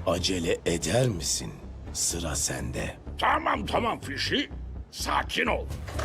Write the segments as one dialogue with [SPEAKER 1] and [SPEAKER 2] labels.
[SPEAKER 1] Acele eder misin? Sıra sende.
[SPEAKER 2] Tamam Fishy. Sakin ol.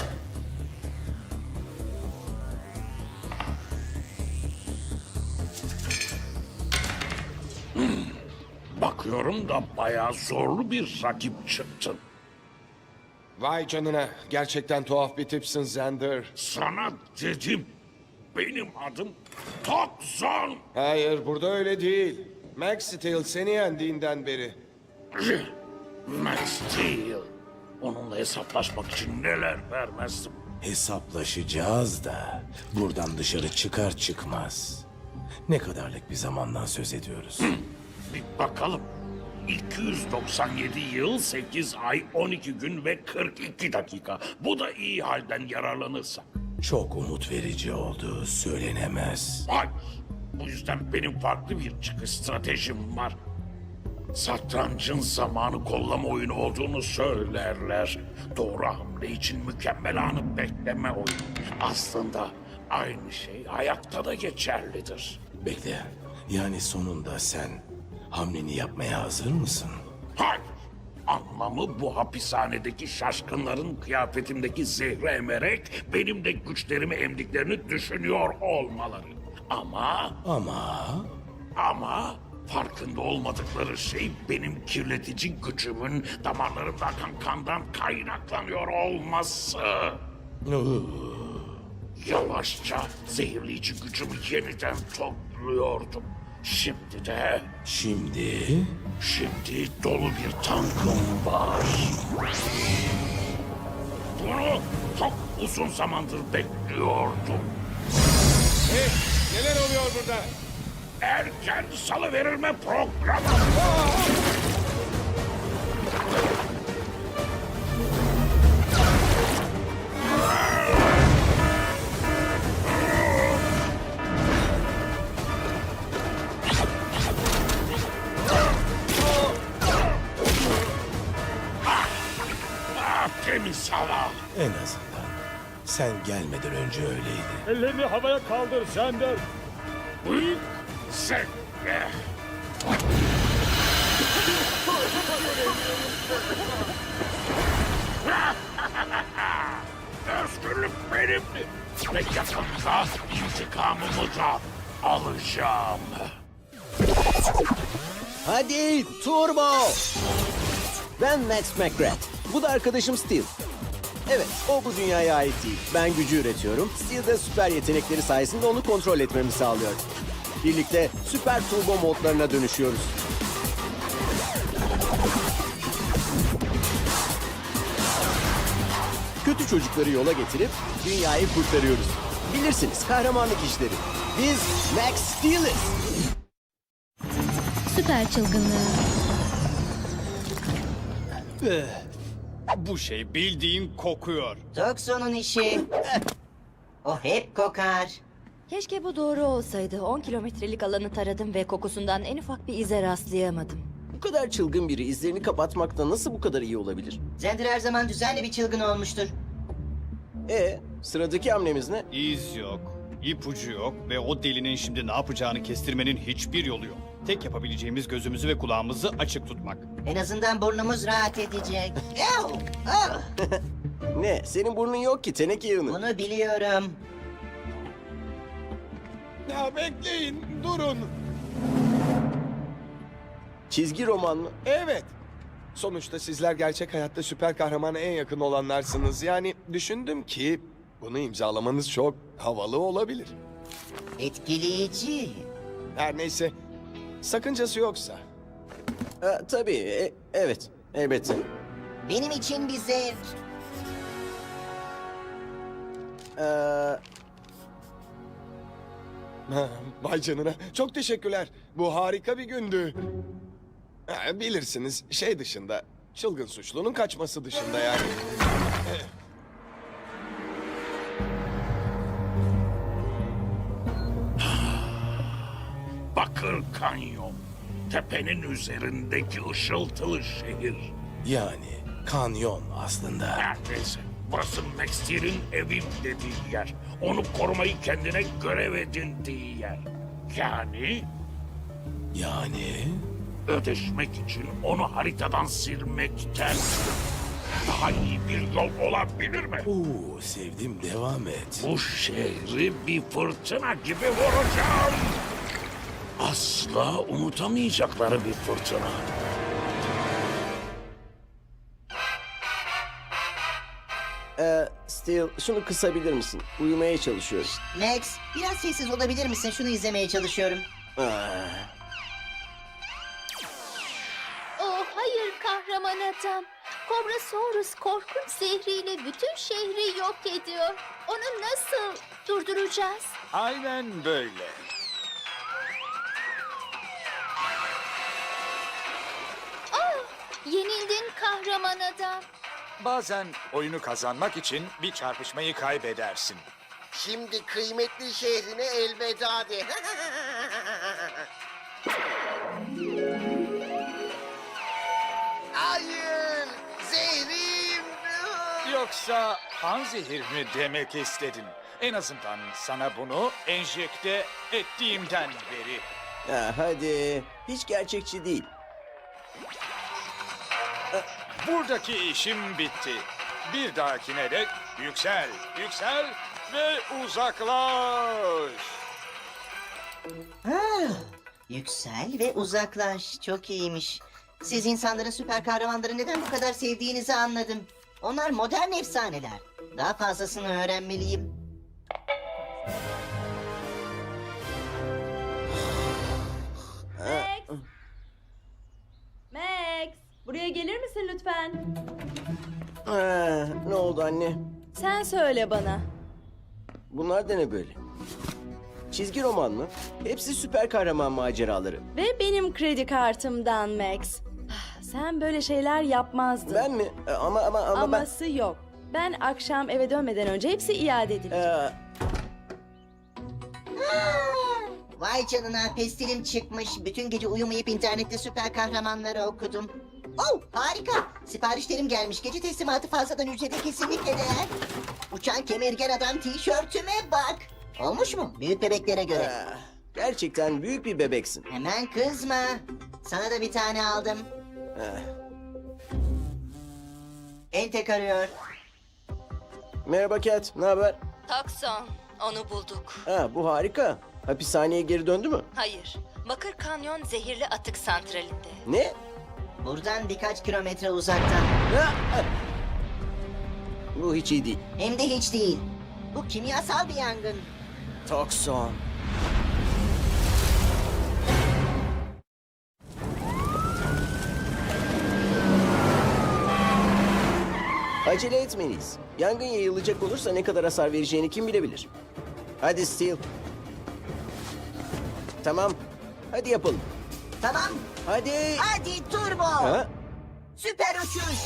[SPEAKER 2] Bakıyorum da bayağı zorlu bir rakip çıktın.
[SPEAKER 3] Vay canına. Gerçekten tuhaf bir tipsin Xander.
[SPEAKER 2] Sana dedim. Benim adım Tokzon.
[SPEAKER 3] Hayır, burada öyle değil. Max Steel seni yendiğinden beri.
[SPEAKER 2] Max Steel. Onunla hesaplaşmak için neler vermezdim.
[SPEAKER 1] Hesaplaşacağız da buradan dışarı çıkar çıkmaz. Ne kadarlık bir zamandan söz ediyoruz?
[SPEAKER 2] Bir bakalım. 297 yıl, 8 ay, 12 gün ve 42 dakika. Bu da iyi halden yararlanırsak.
[SPEAKER 1] Çok umut verici oldu, söylenemez.
[SPEAKER 2] Hayır. Bu yüzden benim farklı bir çıkış stratejim var. Satrancın zamanı kollama oyunu olduğunu söylerler. Doğru hamle için mükemmel anı bekleme oyunu. Aslında aynı şey hayatta da geçerlidir.
[SPEAKER 1] Bekle, yani sonunda sen hamleni yapmaya hazır mısın?
[SPEAKER 2] Hayır. Anlamı bu hapishanedeki şaşkınların kıyafetimdeki zehri emerek benim de güçlerimi emdiklerini düşünüyor olmaları. Ama farkında olmadıkları şey benim kirletici gücümün damarlarımda akan kandan kaynaklanıyor olması. Yavaşça zehirleyici gücümü yeniden topluyordum. Şimdi dolu bir tankım var. Bunu çok uzun zamandır bekliyordum.
[SPEAKER 3] Hey, neler oluyor burada?
[SPEAKER 2] Erken salıverilme programı. Temiz hava.
[SPEAKER 1] En azından sen gelmeden önce öyleydi.
[SPEAKER 4] Ellerini havaya kaldır Xander.
[SPEAKER 2] Büyük zevkle. Özgürlük benimdi. Ve yakında intikamımı da alacağım.
[SPEAKER 5] Hadi turbo! Ben Max McGrath. Bu da arkadaşım Steel. Evet, o bu dünyaya ait değil. Ben gücü üretiyorum. Steel de süper yetenekleri sayesinde onu kontrol etmemi sağlıyor. Birlikte süper turbo modlarına dönüşüyoruz. Kötü çocukları yola getirip dünyayı kurtarıyoruz. Bilirsiniz, kahramanlık işleri. Biz Max Steel'iz.
[SPEAKER 6] Süper çılgınlığı.
[SPEAKER 4] Bu şey bildiğin kokuyor.
[SPEAKER 7] Tokson'un işi. O hep kokar.
[SPEAKER 6] Keşke bu doğru olsaydı. 10 kilometrelik alanı taradım ve kokusundan en ufak bir ize rastlayamadım.
[SPEAKER 5] Bu kadar çılgın biri izlerini kapatmakta nasıl bu kadar iyi olabilir?
[SPEAKER 7] Xander her zaman düzenli bir çılgın olmuştur.
[SPEAKER 5] Sıradaki hamlemiz ne?
[SPEAKER 4] İz yok, ipucu yok ve o delinin şimdi ne yapacağını kestirmenin hiçbir yolu yok. Tek yapabileceğimiz gözümüzü ve kulağımızı açık tutmak.
[SPEAKER 7] En azından burnumuz rahat edecek. Yahu! Ah!
[SPEAKER 5] Ne? Senin burnun yok ki teneke yığını.
[SPEAKER 7] Bunu biliyorum.
[SPEAKER 3] Ya bekleyin, durun.
[SPEAKER 5] Çizgi roman mı?
[SPEAKER 3] Evet. Sonuçta sizler gerçek hayatta süper kahramana en yakın olanlarsınız. Yani düşündüm ki bunu imzalamanız çok havalı olabilir.
[SPEAKER 7] Etkileyici.
[SPEAKER 3] Her neyse, sakıncası yoksa.
[SPEAKER 5] Tabii, evet. Elbette.
[SPEAKER 7] Benim için bir zevk.
[SPEAKER 5] Ee,
[SPEAKER 3] Ha, vay canına, çok teşekkürler. Bu harika bir gündü. Bilirsiniz, şey dışında, çılgın suçlunun kaçması dışında yani.
[SPEAKER 2] Bakır Kanyon. Tepenin üzerindeki ışıltılı şehir.
[SPEAKER 1] Yani kanyon aslında.
[SPEAKER 2] Neredeyse. Burası Max Steel'in evim dediği yer. Onu korumayı kendine görev edindiği yer. Yani
[SPEAKER 1] Yani
[SPEAKER 2] ödeşmek için onu haritadan silmekten daha iyi bir yol olabilir mi?
[SPEAKER 1] Oo, sevdim, devam et.
[SPEAKER 2] Bu şehri bir fırtına gibi vuracağım. Asla unutamayacakları bir fırtına.
[SPEAKER 5] Steel, şunu kısabilir misin? Uyumaya çalışıyorum.
[SPEAKER 7] Max, biraz sessiz olabilir misin? Şunu izlemeye çalışıyorum.
[SPEAKER 8] Oh hayır kahraman adam. Kobrasaurus korkunç zehriyle bütün şehri yok ediyor. Onu nasıl durduracağız?
[SPEAKER 9] Aynen böyle.
[SPEAKER 8] Yenildin kahraman adam.
[SPEAKER 9] Bazen oyunu kazanmak için bir çarpışmayı kaybedersin.
[SPEAKER 10] Şimdi kıymetli şehrine elveda de. Hayır, zehrim.
[SPEAKER 9] Yoksa panzehir mi demek istedin? En azından sana bunu enjekte ettiğimden beri.
[SPEAKER 5] Hadi. Hiç gerçekçi değil.
[SPEAKER 9] Buradaki işim bitti. Bir dahakine dek yüksel, yüksel ve uzaklaş.
[SPEAKER 7] Yüksel ve uzaklaş. Çok iyiymiş. Siz insanların süper kahramanları neden bu kadar sevdiğinizi anladım. Onlar modern efsaneler. Daha fazlasını öğrenmeliyim.
[SPEAKER 6] Max! Max! Buraya gelir misin lütfen?
[SPEAKER 5] Ne oldu anne?
[SPEAKER 6] Sen söyle bana.
[SPEAKER 5] Bunlar da ne böyle? Çizgi roman mı? Hepsi süper kahraman maceraları.
[SPEAKER 6] Ve benim kredi kartımdan Max. Sen böyle şeyler yapmazdın.
[SPEAKER 5] Ben mi? Ama ben...
[SPEAKER 6] Aması yok. Ben akşam eve dönmeden önce hepsi iade edilecek.
[SPEAKER 7] Vay canına, pestilim çıkmış. Bütün gece uyumayıp internette süper kahramanları okudum. Oh, harika. Siparişlerim gelmiş. Gece teslimatı fazladan ücrete kesinlikle değer. Uçan kemirgen adam tişörtüme bak. Olmuş mu? Büyük bebeklere göre.
[SPEAKER 5] Gerçekten büyük bir bebeksin.
[SPEAKER 7] Hemen kızma. Sana da bir tane aldım. Entek arıyor.
[SPEAKER 5] Merhaba Cat, ne haber?
[SPEAKER 6] Takson. Onu bulduk.
[SPEAKER 5] Bu harika. Hapishaneye geri döndü mü?
[SPEAKER 6] Hayır. Bakır Kanyon zehirli atık santralinde.
[SPEAKER 5] Ne?
[SPEAKER 7] Buradan birkaç kilometre uzakta.
[SPEAKER 5] Bu hiç iyi değil.
[SPEAKER 7] Hem de hiç değil. Bu kimyasal bir yangın.
[SPEAKER 5] Tokson. Acele etmeliyiz. Yangın yayılacak olursa ne kadar hasar vereceğini kim bilebilir? Hadi Steel. Tamam. Hadi yapalım.
[SPEAKER 7] Tamam.
[SPEAKER 5] Hadi.
[SPEAKER 7] Hadi turbo.
[SPEAKER 5] Ha?
[SPEAKER 7] Süper uçuş.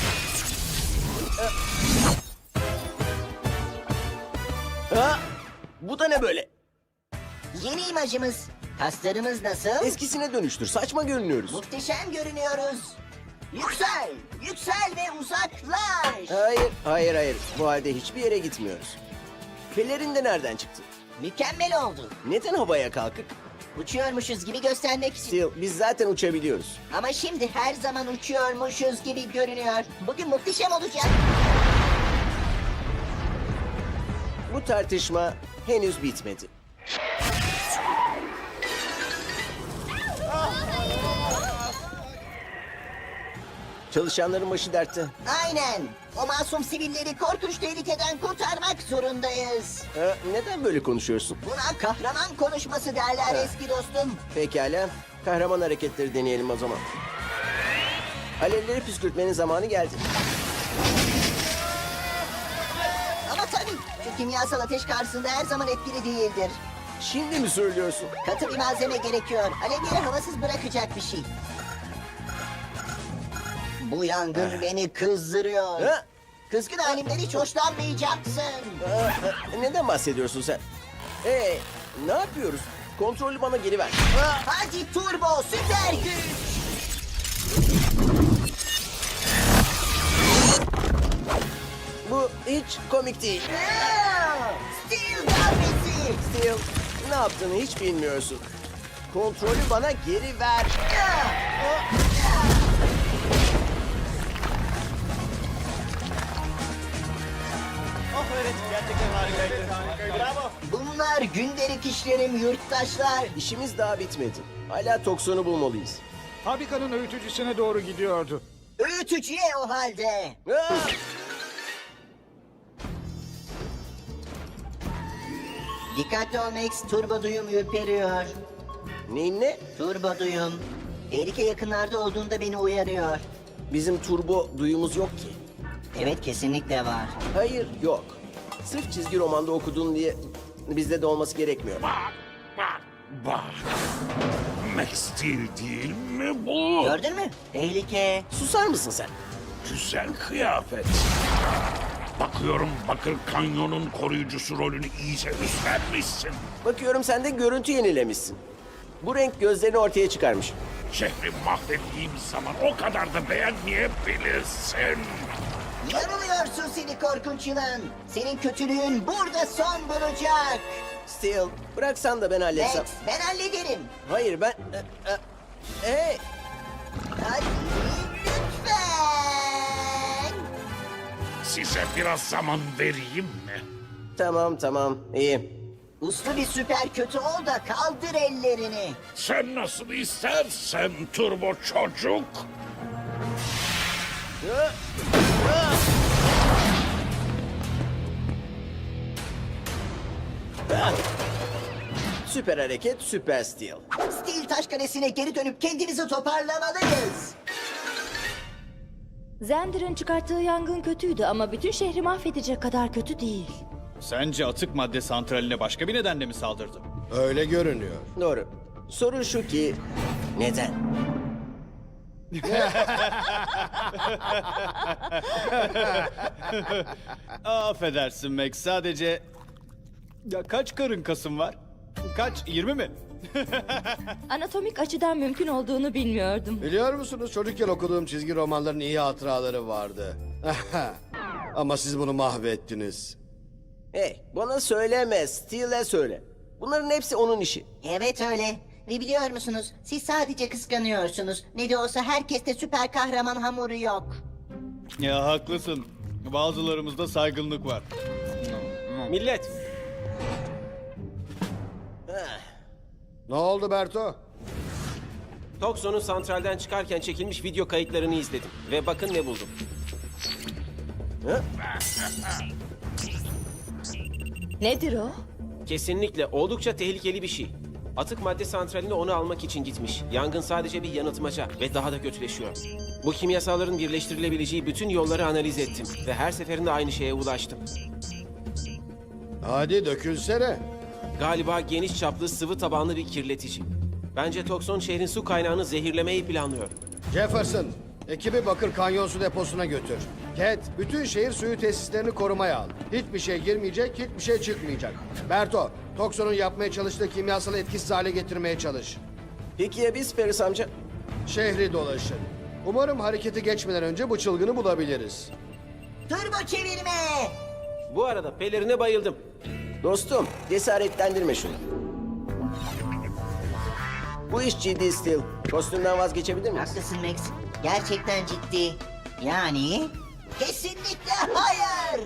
[SPEAKER 5] Ha? Bu da ne böyle?
[SPEAKER 7] Yeni imajımız. Kaslarımız nasıl?
[SPEAKER 5] Eskisine dönüştür. Saçma görünüyoruz.
[SPEAKER 7] Muhteşem görünüyoruz. Yüksel, yüksel ve uzaklaş.
[SPEAKER 5] Hayır. Bu halde hiçbir yere gitmiyoruz. Pelerin de nereden çıktı?
[SPEAKER 7] Mükemmel oldu.
[SPEAKER 5] Neden havaya kalkık?
[SPEAKER 7] Uçuyormuşuz gibi göstermek için.
[SPEAKER 5] Steel, biz zaten uçabiliyoruz.
[SPEAKER 7] Ama şimdi her zaman uçuyormuşuz gibi görünüyor. Bugün muhteşem olacak.
[SPEAKER 5] Bu tartışma henüz bitmedi. Çalışanların başı dertte.
[SPEAKER 7] Aynen. O masum sivilleri korkunç tehlikeden kurtarmak zorundayız.
[SPEAKER 5] Neden böyle konuşuyorsun?
[SPEAKER 7] Buna kahraman konuşması derler eski dostum.
[SPEAKER 5] Pekala, kahraman hareketleri deneyelim o zaman. Alevleri püskürtmenin zamanı geldi.
[SPEAKER 7] Ama tabii şu kimyasal ateş karşısında her zaman etkili değildir.
[SPEAKER 5] Şimdi mi söylüyorsun?
[SPEAKER 7] Katı bir malzeme gerekiyor. Alevleri havasız bırakacak bir şey. Bu yangın beni kızdırıyor.
[SPEAKER 5] Ha?
[SPEAKER 7] Kızgın halimden hiç hoşlanmayacaksın.
[SPEAKER 5] Neden bahsediyorsun sen? Ne yapıyoruz? Kontrolü bana geri ver.
[SPEAKER 7] Hadi turbo süper güç.
[SPEAKER 5] Bu hiç komik değil.
[SPEAKER 7] Steel darbesi.
[SPEAKER 5] Steel, ne yaptığını hiç bilmiyorsun. Kontrolü bana geri ver.
[SPEAKER 4] Oh evet, gerçekten harikaydı. Bravo.
[SPEAKER 7] Bunlar gündelik işlerim yurttaşlar.
[SPEAKER 5] İşimiz daha bitmedi. Hala toksonu bulmalıyız.
[SPEAKER 9] Fabrikanın öğütücüsüne doğru gidiyordu.
[SPEAKER 7] Öğütücüye o halde.
[SPEAKER 5] Ah!
[SPEAKER 7] Dikkatli ol Max, turbo duyum ürperiyor.
[SPEAKER 5] Neyin ne?
[SPEAKER 7] Turbo duyum. Tehlike yakınlarda olduğunda beni uyarıyor.
[SPEAKER 5] Bizim turbo duyumuz yok ki.
[SPEAKER 7] Evet, kesinlikle var.
[SPEAKER 5] Hayır, yok. Sırf çizgi romanda okudun diye bizde de olması gerekmiyor.
[SPEAKER 2] Bak, bak, bak. Max Steel değil mi bu?
[SPEAKER 7] Gördün mü? Tehlike.
[SPEAKER 5] Susar mısın sen?
[SPEAKER 2] Güzel kıyafet. Bakıyorum Bakır Kanyon'un koruyucusu rolünü iyice üstlenmişsin.
[SPEAKER 5] Bakıyorum sen de görüntü yenilemişsin. Bu renk gözlerini ortaya çıkarmış.
[SPEAKER 2] Şehri mahvettiğim zaman o kadar da beğenmeyebilirsin.
[SPEAKER 7] Yanılıyorsun seni korkunç yılan. Senin kötülüğün burada son bulacak.
[SPEAKER 5] Steel, bıraksan da ben halletsem.
[SPEAKER 7] Max, ben hallederim.
[SPEAKER 5] Hayır ben... Hey!
[SPEAKER 7] Hadi lütfen.
[SPEAKER 2] Size biraz zaman vereyim mi?
[SPEAKER 5] Tamam, iyi.
[SPEAKER 7] Uslu bir süper kötü ol da kaldır ellerini.
[SPEAKER 2] Sen nasıl istersen turbo çocuk.
[SPEAKER 5] Süper hareket, süper Steel.
[SPEAKER 7] Steel Taş Kalesi'ne geri dönüp kendimizi toparlamalıyız.
[SPEAKER 6] Zender'ın çıkarttığı yangın kötüydü ama bütün şehri mahvedecek kadar kötü değil.
[SPEAKER 4] Sence atık madde santraline başka bir nedenle mi saldırdı?
[SPEAKER 11] Öyle görünüyor.
[SPEAKER 5] Doğru. Sorun şu ki... Neden?
[SPEAKER 4] Affedersin Max, sadece... Ya kaç karın kasın var? Kaç? 20 mi?
[SPEAKER 6] Anatomik açıdan mümkün olduğunu bilmiyordum.
[SPEAKER 11] Biliyor musunuz çocukken okuduğum çizgi romanların iyi hatıraları vardı. Ama siz bunu mahvettiniz.
[SPEAKER 5] Hey, bana söyleme, Steel'e söyle. Bunların hepsi onun işi.
[SPEAKER 7] Evet öyle. Ve biliyor musunuz? Siz sadece kıskanıyorsunuz. Ne de olsa herkeste süper kahraman hamuru yok.
[SPEAKER 4] Ya haklısın. Bazılarımızda saygınlık var.
[SPEAKER 5] Millet!
[SPEAKER 11] Ne oldu Berto?
[SPEAKER 5] Tokson'un santralden çıkarken çekilmiş video kayıtlarını izledim. Ve bakın ne buldum.
[SPEAKER 6] Nedir o?
[SPEAKER 12] Kesinlikle oldukça tehlikeli bir şey. Atık madde santraline onu almak için gitmiş. Yangın sadece bir yanıltmaca ve daha da kötüleşiyor. Bu kimyasalların birleştirilebileceği bütün yolları analiz ettim ve her seferinde aynı şeye ulaştım.
[SPEAKER 11] Hadi dökülsene.
[SPEAKER 12] Galiba geniş çaplı sıvı tabanlı bir kirletici. Bence Tokson şehrin su kaynağını zehirlemeyi planlıyor.
[SPEAKER 11] Jefferson, ekibi Bakır Kanyon su deposuna götür. Cat, bütün şehir suyu tesislerini korumaya al. Hiçbir şey girmeyecek, hiçbir şey çıkmayacak. Berto, Tokson'un yapmaya çalıştığı kimyasalı etkisiz hale getirmeye çalış.
[SPEAKER 5] Peki ya biz Ferris amca?
[SPEAKER 11] Şehri dolaşın. Umarım hareketi geçmeden önce bu çılgını bulabiliriz.
[SPEAKER 7] Turbo çevirme.
[SPEAKER 12] Bu arada pelerine bayıldım.
[SPEAKER 5] Dostum, cesaretlendirme şunu. Bu iş ciddi Steel. Kostümden vazgeçebilir miyiz?
[SPEAKER 7] Haklısın Max. Gerçekten ciddi. Yani... Kesinlikle hayır.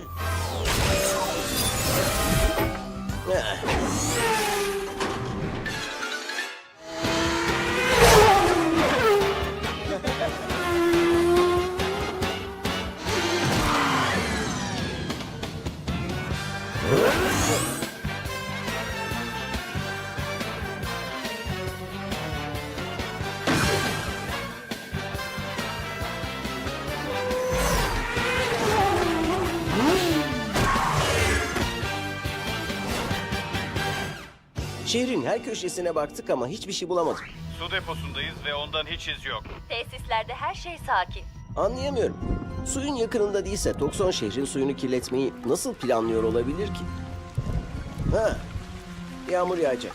[SPEAKER 5] Şehrin her köşesine baktık ama hiçbir şey bulamadık.
[SPEAKER 4] Su deposundayız ve ondan hiç iz yok.
[SPEAKER 6] Tesislerde her şey sakin.
[SPEAKER 5] Anlayamıyorum. Suyun yakınında değilse Tokson şehrin suyunu kirletmeyi nasıl planlıyor olabilir ki? Ha, yağmur yağacak.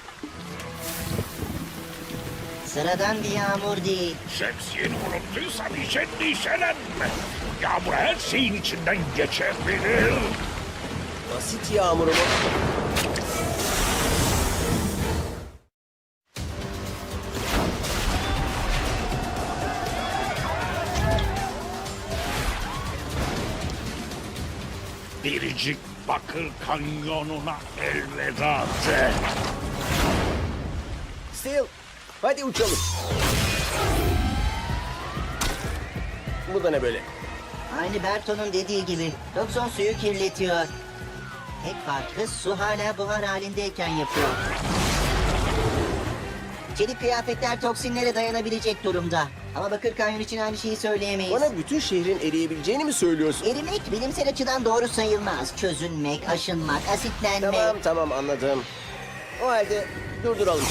[SPEAKER 7] Sıradan bir yağmur değil.
[SPEAKER 2] Şemsiyeni unuttuysan hiç endişelenme. Yağmur her şeyin içinden geçebilir.
[SPEAKER 5] Basit yağmur mu?
[SPEAKER 2] biricik Bakır Kanyonu'na elveda de.
[SPEAKER 5] Steel, hadi uçalım. Bu da ne böyle?
[SPEAKER 7] Aynı Berto'nun dediği gibi. Tokson suyu kirletiyor. Tek farkı su hala buhar halindeyken yapıyor. Çelik kıyafetler toksinlere dayanabilecek durumda. Ama Bakır Kanyon için aynı şeyi söyleyemeyiz.
[SPEAKER 5] Bana bütün şehrin eriyebileceğini mi söylüyorsun?
[SPEAKER 7] Erimek bilimsel açıdan doğru sayılmaz. Çözünmek, aşınmak, asitlenme.
[SPEAKER 5] Tamam anladım. O halde durduralım.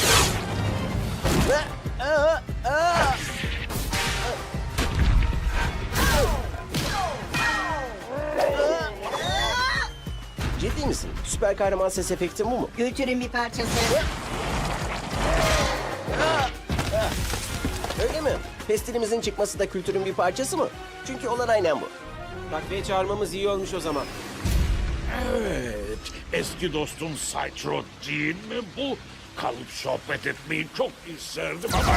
[SPEAKER 5] Ciddi misin? Süper kahraman ses efekti bu mu?
[SPEAKER 7] Kültürün bir parçası.
[SPEAKER 5] Öyle mi? Pestilimizin çıkması da kültürün bir parçası mı? Çünkü olan aynen bu.
[SPEAKER 12] Takviye çağırmamız iyi olmuş o zaman.
[SPEAKER 2] Evet, eski dostum Cytro değil mi bu? Kalıp sohbet etmeyi çok isterdim ama...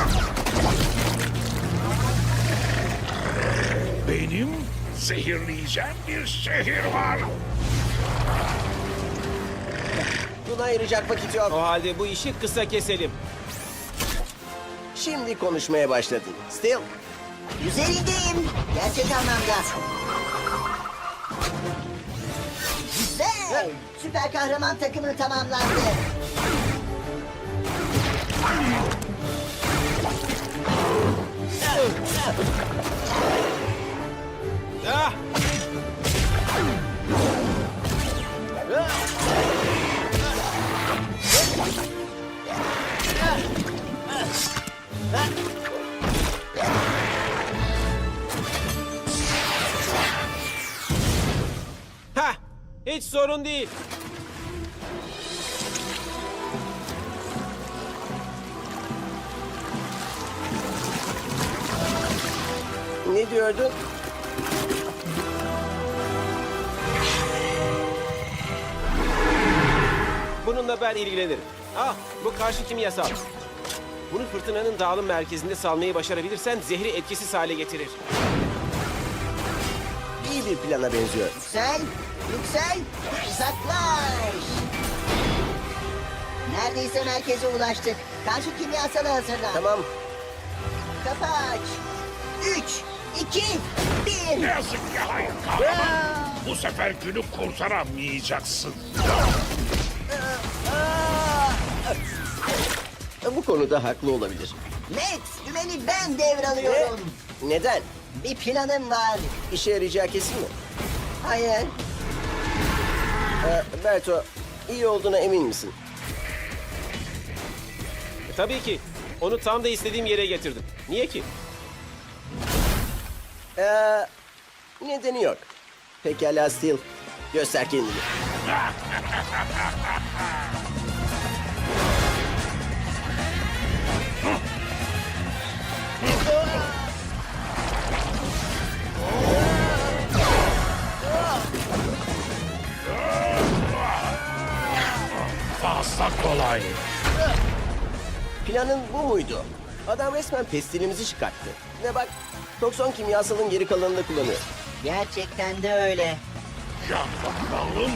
[SPEAKER 2] Benim zehirleyeceğim bir şehir var.
[SPEAKER 5] Buna ayıracak vakit yok.
[SPEAKER 12] O halde bu işi kısa keselim.
[SPEAKER 5] Şimdi konuşmaya başladın. Steel,
[SPEAKER 7] Üzerindeyim. Gerçek anlamda. Güzel. Süper kahraman takımı tamamlandı.
[SPEAKER 12] Ah! Ha! Hiç sorun değil.
[SPEAKER 5] ne diyordun?
[SPEAKER 12] Bununla ben ilgilenirim. Ah, bu karşı kimyasal. Bunu fırtınanın dağılım merkezinde salmayı başarabilirsen zehri etkisiz hale getirir.
[SPEAKER 5] İyi bir plana benziyor.
[SPEAKER 7] Yüksel, yüksel, uzaklaş. Neredeyse merkeze ulaştık. Karşı kimyasalı hazırlan.
[SPEAKER 5] Tamam.
[SPEAKER 7] Kapı aç. 3, 2, 1.
[SPEAKER 2] Ne yazık ki hayır kahraman. Bu sefer günü kurtaramayacaksın.
[SPEAKER 5] Bu konuda haklı olabilir.
[SPEAKER 7] Max, dümeni ben devralıyorum.
[SPEAKER 5] Neden?
[SPEAKER 7] Bir planım var.
[SPEAKER 5] İşe yarayacağı kesin mi?
[SPEAKER 7] Hayır.
[SPEAKER 5] Berto, iyi olduğuna emin misin?
[SPEAKER 12] Tabii ki. Onu tam da istediğim yere getirdim. Niye ki?
[SPEAKER 5] Nedeni yok. Pekala Steel, göster kendini.
[SPEAKER 2] Fazla kolay.
[SPEAKER 5] Planın bu muydu? Adam resmen pestilimizi çıkarttı. Ve bak, tokson kimyasalın geri kalanını kullanıyor.
[SPEAKER 7] Gerçekten de öyle.
[SPEAKER 2] Yan bakalım.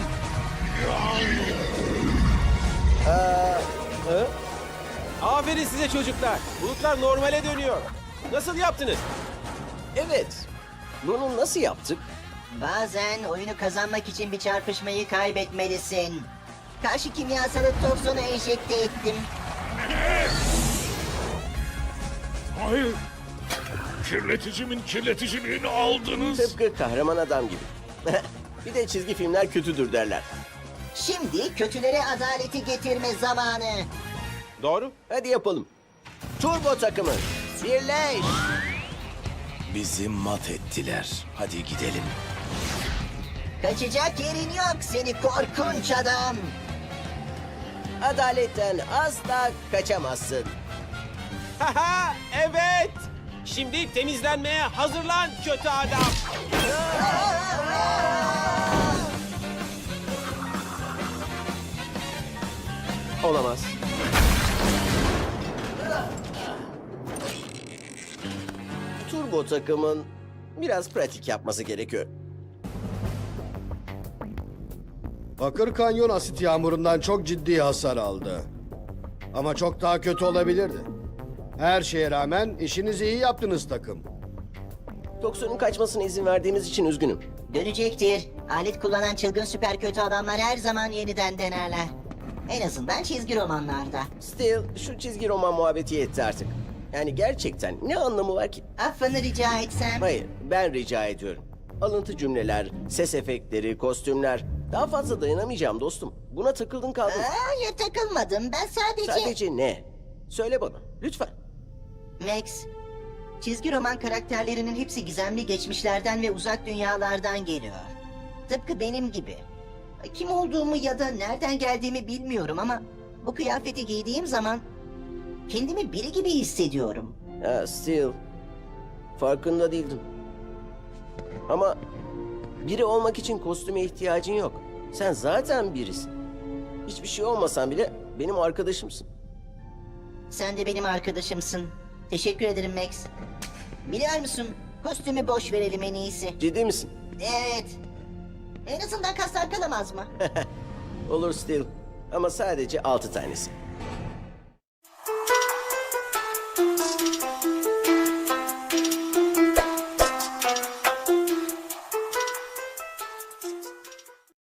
[SPEAKER 12] Aferin size çocuklar. Bulutlar normale dönüyor. Nasıl yaptınız?
[SPEAKER 5] Evet, bunu nasıl yaptık?
[SPEAKER 7] Bazen oyunu kazanmak için bir çarpışmayı kaybetmelisin. Karşı kimyasalı toksonu enjekte ettim.
[SPEAKER 2] Hayır. Kirleticimin kirleticiliğini aldınız.
[SPEAKER 5] Tıpkı kahraman adam gibi. Bir de çizgi filmler kötüdür derler.
[SPEAKER 7] Şimdi kötülere adaleti getirme zamanı.
[SPEAKER 12] Doğru.
[SPEAKER 5] Hadi yapalım. Turbo takımı, birleş!
[SPEAKER 1] Bizi mat ettiler. Hadi gidelim.
[SPEAKER 7] Kaçacak yerin yok seni korkunç adam.
[SPEAKER 5] Adaletten asla kaçamazsın.
[SPEAKER 12] Haha, evet. Şimdi temizlenmeye hazırlan kötü adam. Olamaz.
[SPEAKER 5] Turbo takımın biraz pratik yapması gerekiyor.
[SPEAKER 11] Bakır Kanyon asit yağmurundan çok ciddi hasar aldı. Ama çok daha kötü olabilirdi. Her şeye rağmen işinizi iyi yaptınız takım.
[SPEAKER 5] Toksonun kaçmasına izin verdiğimiz için üzgünüm.
[SPEAKER 7] Dönecektir. Alet kullanan çılgın süper kötü adamlar her zaman yeniden denerler. En azından çizgi romanlarda.
[SPEAKER 5] Steel, şu çizgi roman muhabbeti yetti artık. Yani gerçekten ne anlamı var ki?
[SPEAKER 7] Affını rica etsem.
[SPEAKER 5] Hayır, ben rica ediyorum. Alıntı cümleler, ses efektleri, kostümler. Daha fazla dayanamayacağım dostum. Buna takıldın kaldın.
[SPEAKER 7] Hayır takılmadım. Ben
[SPEAKER 5] Sadece ne? Söyle bana, lütfen.
[SPEAKER 7] Max, çizgi roman karakterlerinin hepsi gizemli geçmişlerden ve uzak dünyalardan geliyor. Tıpkı benim gibi. Kim olduğumu ya da nereden geldiğimi bilmiyorum ama bu kıyafeti giydiğim zaman kendimi biri gibi hissediyorum.
[SPEAKER 5] Steel, farkında değildim. Ama biri olmak için kostüme ihtiyacın yok. Sen zaten birisin. Hiçbir şey olmasan bile benim arkadaşımsın.
[SPEAKER 7] Sen de benim arkadaşımsın. Teşekkür ederim Max. Biliyor musun? Kostümü boş verelim en iyisi.
[SPEAKER 5] Ciddi misin?
[SPEAKER 7] Evet. En azından kaslar kalamaz mı?
[SPEAKER 5] Olur Steel. Ama sadece 6 tanesi.